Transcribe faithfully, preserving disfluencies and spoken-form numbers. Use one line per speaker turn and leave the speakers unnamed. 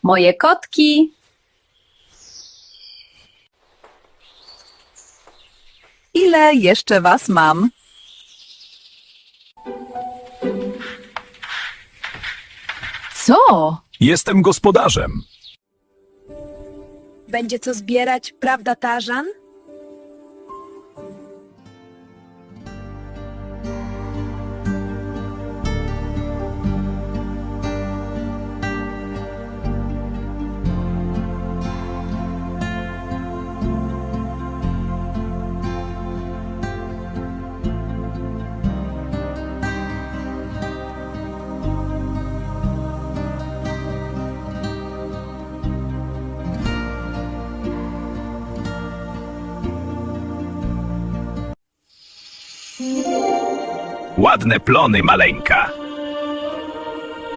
Moje kotki.
Ile jeszcze was mam?
Co?
Jestem gospodarzem.
Będzie co zbierać, prawda, Tarzan?
Ładne plony, maleńka.